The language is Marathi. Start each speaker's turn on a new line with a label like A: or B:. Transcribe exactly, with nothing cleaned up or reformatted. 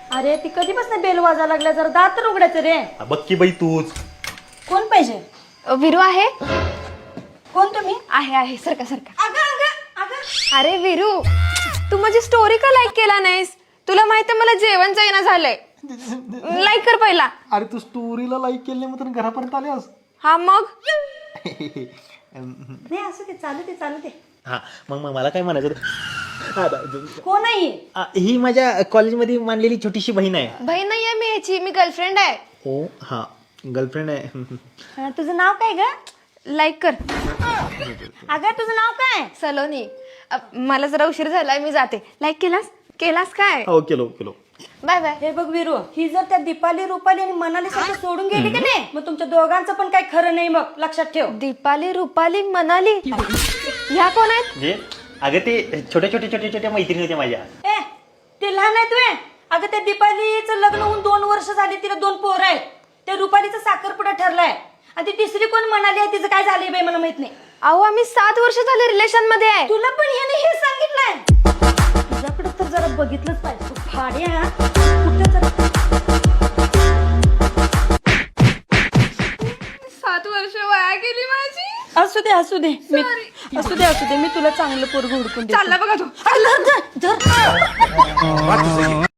A: अरे ती कधीपासून बेल वाजा लागल्या जरा दात तर उघडायचं रे.
B: बघ की बाई तूच.
A: कोण पाहिजे?
C: विरू आहे
A: कोण तुम्ही?
C: आहे आहे सरका सरका.
A: अगं अगं अगं
C: अरे विरू, तू माझी स्टोरी का लाईक केला नाहीस? तुला माहिती मला जेवण जाईना झालंय. लाईक कर पहिला.
B: अरे तू स्टोरीला लाईक केली नाही मग घरापर्यंत आल्यास.
C: हा मग
A: नाही असू दे, चालू दे चालू दे.
B: हा मग मग मला काय म्हणायचं होतं?
A: कोण आहे?
B: आ, ही माझ्या कॉलेजमध्ये मानलेली छोटीशी बहीण आहे.
C: बहीण नाहीये मी ह्याची, मी गर्लफ्रेंड आहे.
B: ओ हा गर्लफ्रेंड आहे.
A: हा, तुझं नाव काय ग?
C: लाईक कर.
A: अगं तुझं नाव काय?
C: सलोनी. अ, मला जरा उशीर झालाय, मी जाते. लाईक केलास केलास काय?
B: हो केलो केलो.
C: Bye bye.
A: हे बघ विरू, ही जर त्या दीपाली रुपाली आणि मनाली सारखं सोडून गेली की नाही मग तुमच्या दोघांचं पण काही खरं नाही. मग लक्षात ठेव.
C: दीपाली रुपाली मनाली ह्या कोण आहेत?
B: म्हणजे अगं ते छोट्या छोट्या छोट्या छोट्या मैत्रिणी होत्या माझ्या.
A: ए ते लहान आहेत वे. अगं त्या दीपालीचं लग्न होऊन दोन वर्ष झाली, तिला दोन पोरं आहेत. त्या रुपालीचा साखरपुडा ठरलाय आणि ती तिसरी कोण म्हणाली आहे तिचं काय झालंय बाई मला माहित नाही.
C: अहो आम्ही सात वर्ष झाले रिलेशन मध्ये आहे.
A: तुला पण ह्याने हे सांगितलंय? तुझ्याकडे तर जरा बघितलंच पाहिजे. तू फाडी आहे हा. कुठं जरा
C: सात वर्ष वाया गेली माझी.
A: असू दे असू दे मी असू दे असू दे मी तुला चांगलं पोरग हुडकून देते.
C: चालला बघा तो.
A: अरे, धर, धर, धर.